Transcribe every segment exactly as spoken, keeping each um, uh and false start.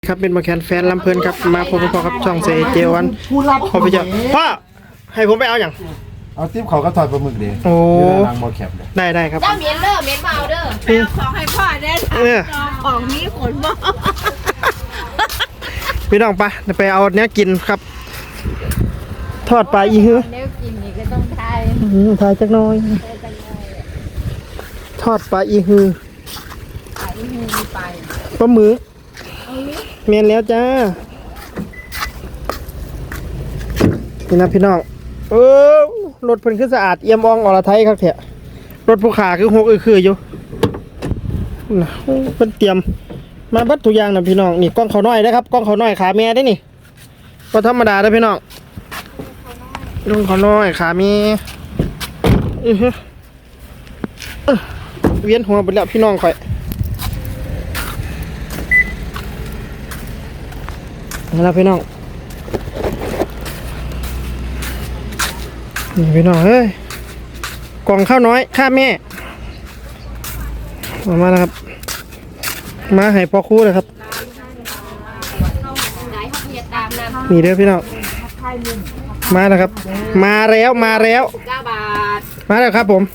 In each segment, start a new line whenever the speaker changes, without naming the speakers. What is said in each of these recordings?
ครับเป็นมาแคนแฟนลำเพลินครับมาพบกับพ่อครับช่องเซเจวันพอไปเจอพ่อให้ผมไปเอาอย่าง
เอาติ๊บเขาก็ถอดปลาหมึกดิ
โอ้
นางโมแคปเลย
ได้ได้ครับ
เจ้าเมียนเด้อเมียนเบาเด้อไปเอาของให้พ่อเด้อของนี้ขนบ่
พี่น้องไปไปเอาเนี้ยกินครับทอดปลาอีหื้อ
เนี้ยกินนี่ก็ต้องทาย
ทายจักหน่อยทอดปลาอีหื้อ
ไปอีหือไป
ปลาหมึกเมียนแล้วจ้านี่นะพี่น้องเออรถเพิ่นคือสะอาดเอี่ยมอ่องอรไทยครับเถอะรถผู้ขาคือหกอือคืออยู่นะเพิ่นเตรียมมาบัดทุกอย่างนะพี่น้องนี่กล้องเขาน้อยนะครับกล้องเขาน้อยขาแม่ได้นี่ก็ธรรมดาได้พี่น้องกล้องเขาน้อยขาแม่เออเวียนหัวไปแล้วพี่น้องข่อยนี่ละพี่น้องนี่พี่น้องเฮ้ยกล่องข้าวน้อยข้าแม่มามาแล้วครับมาให้พ่อครูเลยครับนี่เด้อพี่น้องมาแล้วครับมาแล้วมาแล้วมาแล้วครับผม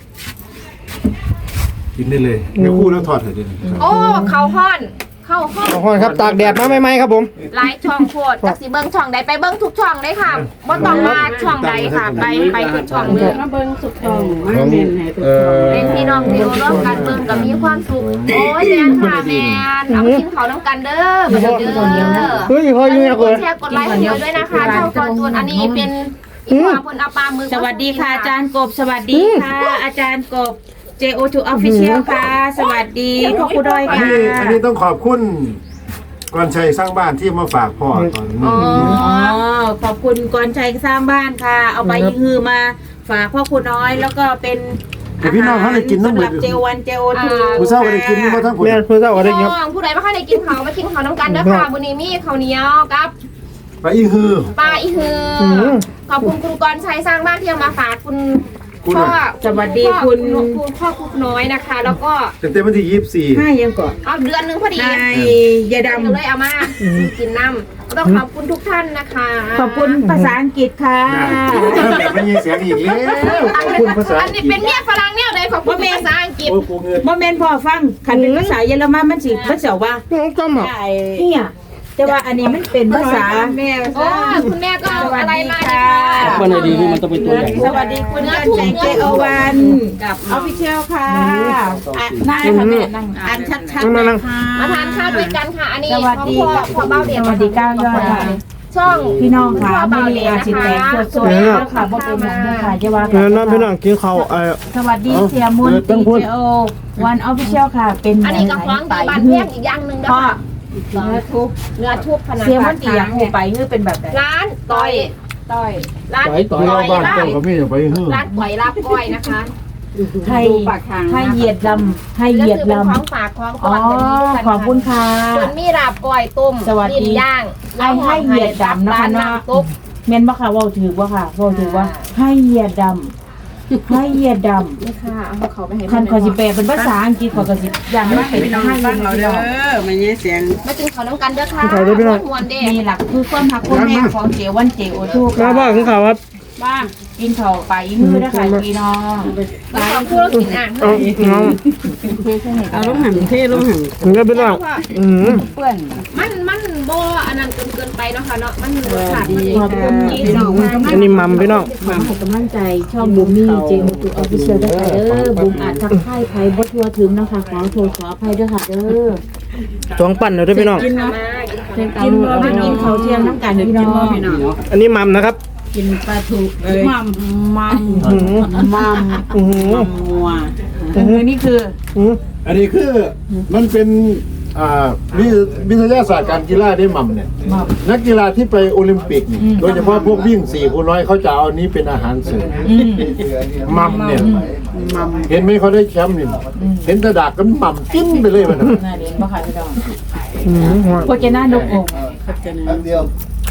กินได้เลยเดี๋ยวคู่แล้วถอดเถอะดิ
โอ้เขาห้อนเข้าห้อง
ขอบคุณครับตากแดดมาใหม่ๆครับผม
หลายช่องโคตรจากสิเบิ้งช่องใดไปเบิ้งทุกช่องเลยค่ะบ่ต้องมาช่องใดค่ะไปไปทุกช่องเลยมาเบิ้งทุกช่องมาเน้นให้ทุกช่องเป็นพี่น้องที่ร่วมกันเบิ้งก็มีความสุขโอ้ยแมนค่ะแมนเอากินข้าวน้ำกันเด้อมาเด้อ
เฮ้ยพออยู่เนี่ย
กดแชร์กดไลค์ให้เยอะด้วยนะคะช่องกอนจูนอันนี้เป็นอีกความคนเอาปลามือ
สวัสดีค่ะอาจารย์กบสวัสดีค่ะอาจารย์กบ เจ โอ ทู Official ค่ะสวัสดีพ่อครูดอย
อัน
ค่ะ
นี้อันนี้ต้องขอบคุณกรชัยสร้างบ้านที่มาฝากพ่อตอนนี้
อ๋อขอบคุณกรชัยสร้างบ้านค่ะเอาไปยิงฮือมาฝากพ่อครูน้อยแล้วก็เป็นอาหารสำหรับเจวันเจ โอ ทู
ผู้เฒ่าก็ได้กินมาทั้งผล
แม่เพื่อนเจ้าก็ได้ครับ
น้องผู้ใดไม่ค่อยได้กินเขามากินเขาน้ำกันเด้อค่ะบุญนี้มีข้าวเหนียวกับ
ไปอีฮือ
ปลาอีฮือขอบคุณคุณกรชัยสร้างบ้านที่เอามาฝากคุณพ่อสวัสดีคุณคุณพ่อคุกน้อยนะคะ แล้วก็
เต็มๆวันที่ยี่สิบสี่
ห้ายังก่อน
เอาเดือนหนึ่งพอดี
นายยาดำ
เลยเอามากินน้ำต้องขอบคุณทุกท่านนะคะ
ขอบคุณภาษาอังกฤษค่ะ
แบบไม่มีเสียงอีกแล้วขอบคุณภาษา
อันนี้เป็นเมียฝรั่งเนี่ยเลยขอบคุณภาษาอังกฤษ
โอ้กูเงิน
บ่แม่นพ่อฟังคันเป็นภาษาเยอรมันมันสิมันเสียวว่า
น้องจำเหรอ
เนี่ยแต่ว่าอันนี้มันเป็นภาษาแม่
โอ้คุณแม่ก็เอาอะไรมา
ค่ะ
มันดีนี่มันต้องเป็นตัวใหญ่
สวัสดีคุณกันใจเจโอวันกับออฟฟิเชียลค่ะนั่งค่ะแม่นั่งอ่านชัดๆเลยค่ะ
มาทานข้าวด้วยกันค่ะ อันนี้
สวัสดี
พ่อพ่อเบ้าเดีย
สวัสดีก้าวยอดค่ะ
ช่อง
พี่น้องค่ะไม่มีอาชีพแตกสวยๆแล้วค่ะบ่เป็นอย่างนี้ค่ะจะว่า
เออน้องพี่น้องกินข้าวเออ
สวัสดีเสียมุนตีเจโอวันออฟฟิเชียลค่ะ เป็น
อันนี้กับฟ้องดีบานแพงอีกอย่างหนึ่งนะ
พ่อ
คะเนื้อทุบเนื้อทุบขนาด
เสียมุนตีอย่างหูไปคือเป็นแบบไหน
ร้านต่อย
ต้อย
ร้าน
ต่อยบ้านเจ้าก็มีอย่าไปฮือ
ร้านต่อยลาบก้อยนะคะ
ให้ให้เหยียดลำให้เหยียดล
ของฝากของ
ำ
ก่
อ๋
อ
อน
กัน
ขอบคุณค่ะ
ส่วนมีลาบก้อยต้ม
สวัสดี
ลิ้นย่าง
ให้ให้เหยียดดำนะคะเนาะ
ตุ๊บ
เมนบ่ค่ะเว่าถือว่าค่ะเว่าถือว่าให้เหยียดดำให้เหยียดด
นี่ค่ะเอาเขาไปให้
ำคันขอสิแปลเป็นภาษาอังกฤษขอก็สิอย่างนั้นเป็นให้เหยียดดำ
มันยังเสียง
มาจึงเขาน้ำกันเด้อค่ะมวนเด้
มีหลักคือความหักความแม่ของเจวันเจโอทู
มาบ้าของเขาครับ
บ้างกินเข่าไปมือนะคะพี่น้อง
มาขอบคุณกินอ่าง
เอาเอา
เอาลูกหันเท่ลูกหัน
มันก็เป็นว่าอืม
เพื่อน
มันมันโบอันนั้นเกินเกินไปเนาะค่ะเนาะมันรสชาติมัน
ขอบคุณที่
ดี
ส่งมา
อันนี้มัมพี่น้อง
ขอให้กำลังใจช่องบูมมี่เจโอทูออฟฟิเชียลด้วยค่ะเด้อบูมอาจทักทายใครบ่ทั่วถึงนะคะขอโทษขออภัยด้วยค่ะเด้อ
สองปั่นเลยด้วยพี่น้อง
กินบ่กินข้าวเที่ยงน้ำกันพี่น้อง
อันนี้มัมนะครับ
กินปลาทูมัมมัม
อืม
มัม
อืม
มัวนี่คือ
อืม
อันนี้คือมันเป็นอ่าวิวิทยาศาสตร์การกีฬาได้หม่ำเนี่ยนักกีฬาที่ไปโอลิมปิกนี่โดยเฉพาะพวกวิ่งสี่คูณร้อยเขาจะเอานี้เป็นอาหารเสริมหม่ำเนี่ยเห็นไหมเขาได้แชมป์นี่เห็นแตะดากกันหม่ำจิ้นไปเลยมัน
น่าเรียนบ่ค่ะพี่น้อง
อืม
โคเจน่านกอง
อันเดียว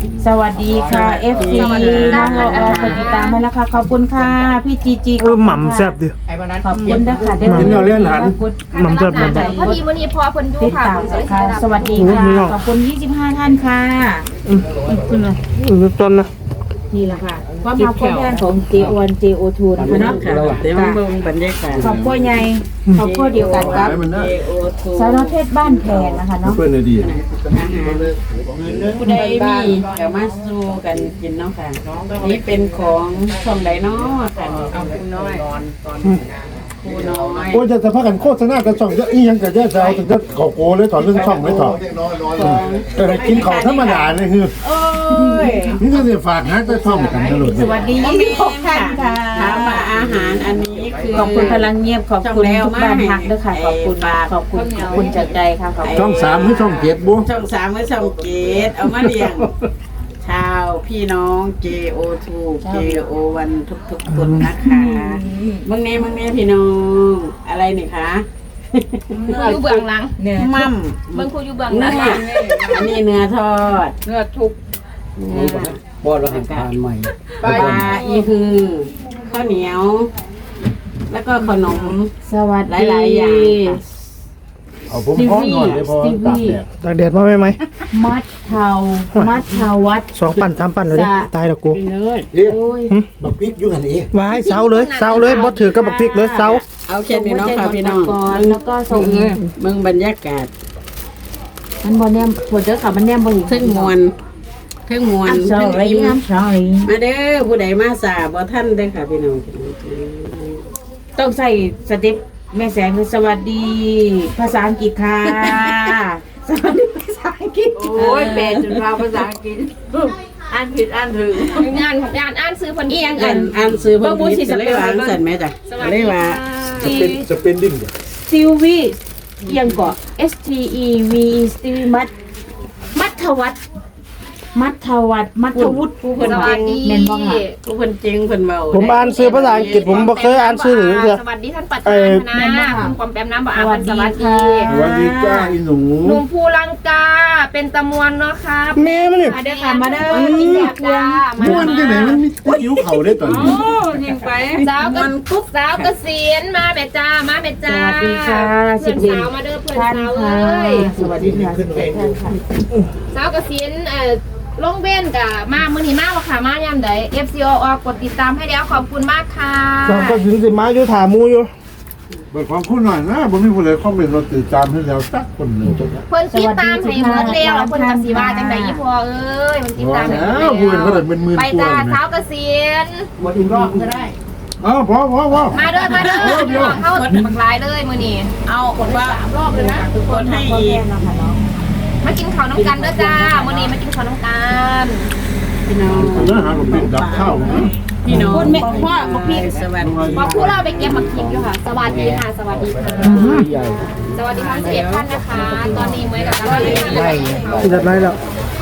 สวัสดีค่ะ เอฟ ซี น้องละออกดติดตามมาแล้วค่ะขอบคุณค่ะพี่จีจี
เออหม่ำแซ่บดิ
ขอบคุณนะคะ
กินเราเลี้ยงหัน
หม่ำแซ่บหม่ำแซ่บ
พอดีวันนี้พอเพิ่นอยู่
ติด
ค่ะ
ตาม
เพิ่นก็เลย
ค่ะ
สิได้รับ
สวัสดีค่ะ ขอบคุณยี่สิบห้าท่านค่ะ
อืมขึ้นเลยอืมต้นนะ
นี่แหละค่ะความมาความแทนของ เจ โอ วัน เจ โอ ทู นะคะเนาะ
เดี๋ยวเบิ่งบรรยากาศ
ขอบคุณใหญ่ขอบคุณเดียวกันครับ
ให้มันนะ
สาวน้อยเพชรบ้านแพงนะคะเนาะ
เพื่อนเลยดี
ผู้ใดมีก็มาสู้กันกินเนาะค่ะนี่เป็นของช่องใดเนาะค่ะเอาคุณน้อยผู้น้อย
โอ้จะจะพากันโฆษณากันช่องจะอีหยังกับแย่จะเอาถึงจะขอโกเลยถอนเรื่องช่องไม่ถอนแต่กินของธรรมดาเนี่ยคือ
โอ้ย
นี่ก็จะฝากหาแต่ช่องกันตลอด
สวัสดียี่สิบหกท่านค่ะ
ถามว่าอาหารอันนี้คือ
ขอบคุณพลังเงียบขอบคุณทุกบ้านพักด้วยค่ะขอบคุณขอบคุณขอบคุณจากใจค่ะขอบคุณ
ช่องสามหรือช่องเจ็ดบุ
ช่องสามกับช่องเกตเอามาเลี้ยงชาวพี่น้อง เจ โอ ทู เจ โอ วัน ทุกๆคนนะคะมึงแน่มึงแน่พี่น้องอะไรนี่คะ
ผู้อยู่เบื้องหลัง
มั่ม
เบิ่งผู้อยู่เบื้องห
เนื้
ลั
อง อันนี้เนื้อทอด
เนื้อทุก
บอดเราหันทานใหม่ปลาอีคือข้าวเหนียว แล้วก็ขนม
สวัสดี
หลายๆอย่างค่ะ
เอาผมพร้อมหน่อยเลยพอตากแดด
ตากแดดมาไหมไหม
มัดเทามัดเทาวัด
สองปั่นสามปั่นเลยดิตายแล้วกู
เอ๊ะ
โอ้ย
บักพริกอยู่หันเอ๊ะ
วายเสาเลยเสาเลยบ่ถือกับบักพริกเลยเสา
เอาแค่นี้เนาะค่ะพี่น้อง
ก่อนแล้วก็ส่ง
มึงบรรยากาศ
มันบอลเนี่ยปวดเด้อค่ะมันเนี่ยบอล
เครื่องมวลเครื่องมวล
I'm
เครื่อง
sorry
อิ่ม
I'm sorry
มาเด้อผู้ใดมาสาบ่ท่านเด้อค่ะพี่น้อง
ต้องใส่สเต็ปแม่แสงคือสวัสดี ภาษาอังกฤษค่ะ สวัสดีภาษาอังกฤษ
โอ้ยแปลจนเราภาษาอังกฤษอ่านผิดอ่านถูก
งานของงานอ่านซื้อเพิ่นเอียงกั
อ่าน นอ่านซื้อเพิ่นผิดก็เลยว่าสั่นแม่จ้ะ
สวัส
เล
ดี
ยว่า
ค่ะ
จะเป็นจะเป็นดิ้งเนี่ย
ซิลวียังเกาะ S T E V E สตีวีมัดมัทวัฒน์มัทวัฒน์มัทวุฒิ
ผู้เพิ่น
ส
เก่
วัส
ง
ดี
แม่นบ่ค่ะ
ผู้เพิ่นเก่งเพิ่นเว้า
ผมอ่านซื้อภาษาอังกฤษผมบ่เคยอ่านซื้อหรือเปล่า
สวัสดีท่านประธานคณะคุณปอมแปมน้ำบ่อาบสวัสดี
สวัสดีจ้าอีหนู
หนุ่มภูลังกาเป็นตะมวนเนาะครับ
แม่มันนี่
มาเด้อค่ะมาเด้อกินแบบจ้ามา
ม้วนที่ไหนมันมีแต่หิวเข่าได้ตอนนี้
ยิงไป
สาวกับกุ๊กสาวเกษียณมาแม่จ้ามาแม่
ส
จ้า
วัสดีค่ะ
เพื่
สิ
อบ น
เอ็ด
สาวมาเด้อเพื่อน
ท่าน
สาว
ค่ะ
เอ้ย
สวัสดีค่ะสิบเอ็ดท่านค่ะ
สาวเกษียณเอ่อลงเบ้นกับมามื้อนี้มาว่าค่ะมายามใด เอฟ ซี โอ ออกกดติดตามให้แล้วขอบคุณมากค่ะ
สองก็ถึงสิมาอยู่ถามูอยู่
เบิกความคุณหน่อยนะผมมีคนเลยคอมเมนต์เราตื่นตามให้แล้วสักคนหนึ่ง
เพิ่นติดตามให้หมดแล้วแล้วเพิ่นก็สิว่าจังได๋อีพ่อเอ้ยเพิ่นติดตามให้หมด
แล้วพูดเขา
แล้
แต่
ว
เป็นหมื่น
ไป
กว่า
จ้า
เลย
สาวเกษียณ
อ้าวพอพอพอ
มาเด้อมาเด้อพี่น้องเข้าบักหลายเลยมื้อนี้
เอาคนว่ารอบเลยนะคนให้อีก
มากินข้าวน้ำกันเด้อจ้ามื้อนี้มากินข้าวน้ำกัน
พี่น้อง
เนื้อหาผมเป็นดับข้าว
พี่น้อง
คุณแม่พ่อบอกพี่
สวัสดี
พอผู้เราไปเก็บผักขิงอยู่ค่ะ สวัสดีค่ะ สวัสดีค่ะ สวัสดีทั้งสิบเอ็ดท่านนะคะ ตอนนี้เหมือนกับกำลังเรียนอยู่
ที่จัดไรแล้ว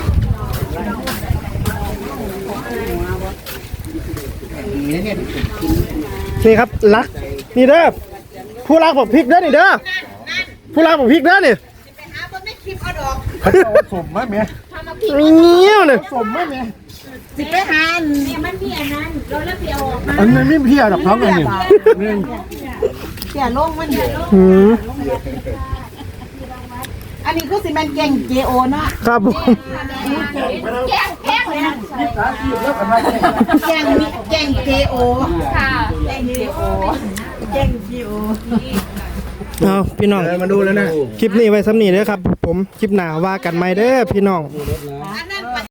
นี่ครับรักนี่เด้อผู้รักบอกพริกเด้อนี่เด้อผู้รักบอกพริกเด้อนี่
เขาจะเอาสมไหมเมีย
เงี้ยวเนี่ย
สมไหมเมีย
สิไปหาเนี่ยมันมีอันนั้นเราเลิกเดียวออกมา
อันนี้ไม่เพี้ยดอกท้องอันนี้นี่
เสียลงมัน
หืม
อันนี้คือสิแมนเก่ง เจ โอ เนาะ
ครับผม
แกงแกงเลยนะ
เก่งเก่ง เจ โอ
ค่ะ
เก่ง เจ โอเก่ง เจ โอ
เอาพี่น้องมาดูแล้วนะคลิปนี้ไว้ซ้ำนี้เด้อครับ ผมคลิปหน้าว่ากันไหมเด้อพี่น้อง